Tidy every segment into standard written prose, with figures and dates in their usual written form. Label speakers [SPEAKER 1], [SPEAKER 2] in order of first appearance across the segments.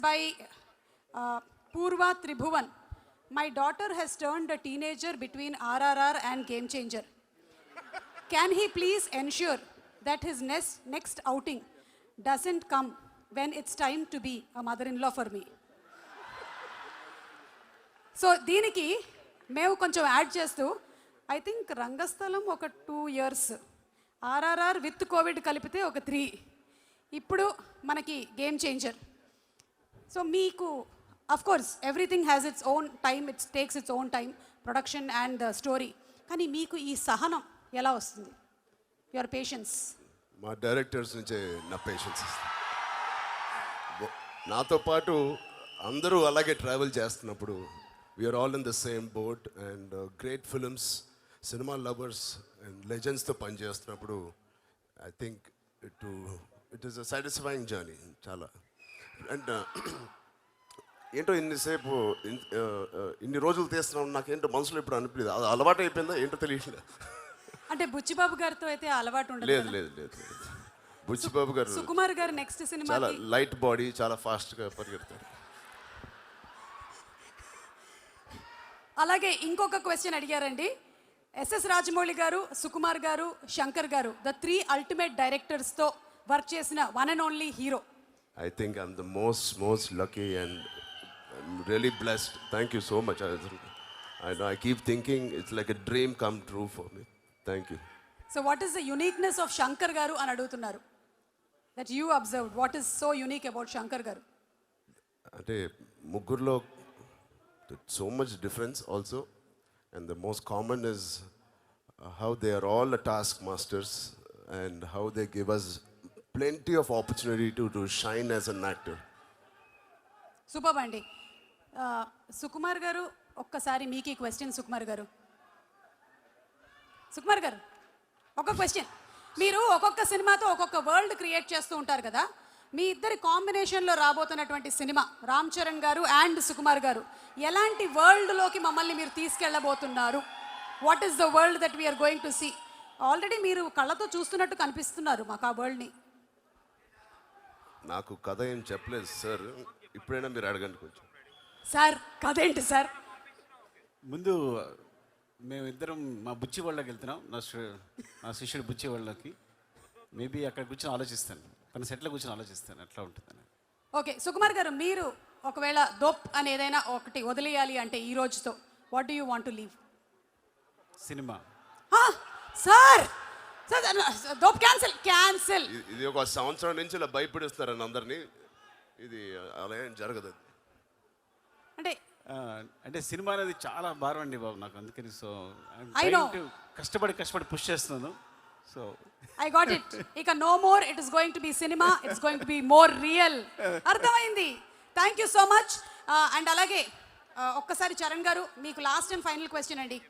[SPEAKER 1] by Purva Tribhuvan. My daughter has turned a teenager between RRR and Game Changer. Can he please ensure that his next outing doesn't come when it's time to be a mother-in-law for me? So దీనికి మేము కొంచెం add చేస్తూ I think రంగస్థలం ఒక 2 years, RRR with Covid కలిపితే ఒక 3, ఇప్పుడు మనకి game changer. So మీకు of course everything has its own time, its takes its own time, production and story. కానీ మీకు ఈ సహనం ఎలా వస్తుంది? Your patience?
[SPEAKER 2] మా డైరెక్టర్స్ నుంచే నా పేషెన్స్. నాతో పాటు అందరూ అలాగే ట్రావెల్ చేస్తున్నప్పుడు we're all in the same boat and great films, cinema lovers and లెజెండ్స్తో పనిచేస్తున్నప్పుడు I think it is a satisfying journey చాలా. అండ్ ఏంటో ఇన్నిసేపు ఇన్ని రోజులు తీస్తున్నాం, నాకేంటో మనసులో ఇప్పుడు అనిపించలేదు, అది అలవాటు అయిపోయిందా ఏంటో తెలియట్లేదు.
[SPEAKER 1] అంటే బుచ్చిబాబు గారితో అయితే అలవాటు ఉండదు.
[SPEAKER 2] లేదు లేదు లేదు బుచ్చిబాబు గారు,
[SPEAKER 1] సుకుమార్ గారు నెక్స్ట్ సినిమా
[SPEAKER 2] చాలా లైట్ బాడీ, చాలా ఫాస్ట్గా పరిగెడతారు.
[SPEAKER 1] అలాగే ఇంకొక క్వశ్చన్ అడిగారండి. ఎస్ఎస్ రాజమౌళి గారు, సుకుమార్ గారు, శంకర్ గారు, ద 3 అల్టిమేట్ డైరెక్టర్స్తో వర్క్ చేసిన one and only hero.
[SPEAKER 2] I think I'm the most lucky and I'm really blessed. Thank you so much. I know I keep thinking it's like a dream come true for me. Thank you.
[SPEAKER 1] So what is the uniqueness of Shankar garu అని అడుగుతున్నారు, that you observed? What is so unique about Shankar garu?
[SPEAKER 2] అంటే ముగ్గురులో so much difference also, and the most common is how they are all task masters and how they give us plenty of opportunity to shine as an actor.
[SPEAKER 1] Super అండి. సుకుమార్ గారు, ఒక్కసారి మీకు ఈ question. Sukumar గారు ఒక question. మీరు ఒక్కొక్క సినిమాతో ఒక్కొక్క వరల్డ్ క్రియేట్ చేస్తూ ఉంటారు కదా, మీ ఇద్దరి కాంబినేషన్లో రాబోతున్నటువంటి సినిమా రామ్ చరణ్ గారు అండ్ సుకుమార్ గారు, ఎలాంటి వరల్డ్లోకి మమ్మల్ని మీరు తీసుకెళ్ళబోతున్నారు? What is the world that we're going to see? Already మీరు కళ్ళతో చూస్తున్నట్టు కనిపిస్తున్నారు మాకు ఆ వరల్డ్ని.
[SPEAKER 2] నాకు కథ ఏం చెప్పలేదు సార్, ఇప్పుడైనా మీరు అడగండి కొంచెం.
[SPEAKER 1] సార్ కథ ఏంటి సార్?
[SPEAKER 3] ముందు మేమిద్దరం మా బుచ్చి వాళ్ళకి వెళ్తున్నాం, నా శిష్యుడు బుచ్చి వాళ్ళకి. మేబీ అక్కడ కూర్చొని ఆలోచిస్తాను, తన సెట్లో కూర్చొని ఆలోచిస్తాను ఎట్లా ఉంటుందని. ఓకే
[SPEAKER 1] సుకుమార్ గారు, మీరు ఒకవేళ దోప్ అని ఏదైనా ఒకటి వదిలేయాలి అంటే ఈ రోజుతో, what do you want to leave?
[SPEAKER 3] Cinema.
[SPEAKER 1] Sir దోప్ క్యాన్సిల్.
[SPEAKER 2] ఇది ఒక సంవత్సరం నుంచి ఇలా భయపడిస్తారని అందరినీ, ఇది అలా ఏం జరగదు.
[SPEAKER 3] అంటే సినిమా అనేది చాలా భారం అండి బాబు నాకు, అందుకని సో కష్టపడి పుష్ చేస్తున్నాను. So
[SPEAKER 1] I got it. ఇక no more it is going to be cinema, it's going to be more real. అర్థమైంది. Thank you so much. And అలాగే ఒక్కసారి చరణ్ గారు, మీకు లాస్ట్ అండ్ ఫైనల్ క్వశ్చన్ అండి.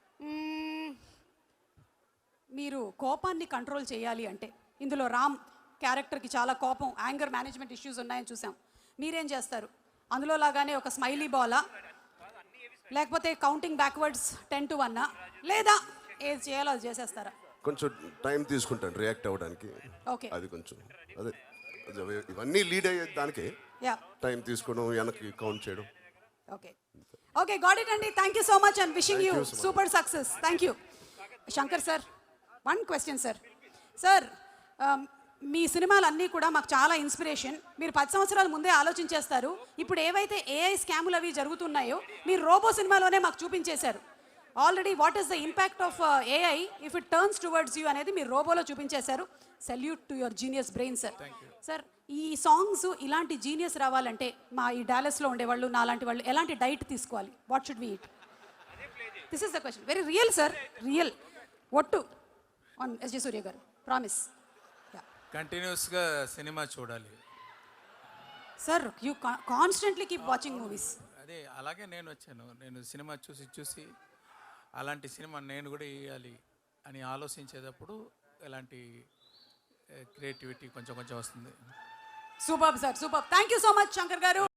[SPEAKER 1] మీరు కోపాన్ని కంట్రోల్ చేయాలి అంటే, ఇందులో రామ్ క్యారెక్టర్కి చాలా కోపం, యాంగర్ మేనేజ్మెంట్ ఇష్యూస్ ఉన్నాయని చూసాం, మీరేం చేస్తారు? అందులో లాగానే ఒక స్మైలీ బాలా, లేకపోతే కౌంటింగ్ బ్యాక్వర్డ్స్ 10 to 1, లేదా ఏది చేయాలో అది చేసేస్తారా?
[SPEAKER 2] కొంచెం టైం తీసుకుంటాను రియాక్ట్ అవ్వడానికి.
[SPEAKER 1] ఓకే,
[SPEAKER 2] అది కొంచెం అదే ఇవన్నీ లీడ్ అయ్యే దానికి టైం తీసుకోవడం, వెనక్కి కౌంట్ చేయడం.
[SPEAKER 1] ఓకే గాట్ ఇట్ అండి. Thank you so much and wishing you super success. Thank you. Shankar sir, one question sir. Sir మీ సినిమాలన్నీ కూడా మాకు చాలా ఇన్స్పిరేషన్. మీరు 10 సంవత్సరాల ముందే ఆలోచించేస్తారు. ఇప్పుడు ఏవైతే ఏఐ స్కాములు అవి జరుగుతున్నాయో మీరు రోబో సినిమాలోనే మాకు చూపించేశారు already. What is the impact of AI if it turns towards you అనేది మీరు రోబోలో చూపించేశారు. Salute to your genius brain sir. Sir ఈ సాంగ్స్ ఇలాంటి జీనియస్ రావాలంటే మా ఈ డాలస్లో ఉండేవాళ్ళు, నా లాంటి వాళ్ళు ఎలాంటి డైట్ తీసుకోవాలి? What should we eat? This is the question. Very real sir, real. ఒట్టు on SJ Surya garu, promise.
[SPEAKER 4] కంటిన్యూస్గా సినిమా చూడాలి
[SPEAKER 1] sir. You constantly keep watching movies.
[SPEAKER 4] అదే అలాగే నేను వచ్చాను. నేను సినిమా చూసి అలాంటి సినిమా నేను కూడా వేయాలి అని ఆలోచించేటప్పుడు ఎలాంటి క్రియేటివిటీ కొంచెం వస్తుంది.
[SPEAKER 1] Super sir, super. Thank you so much Shankar గారు.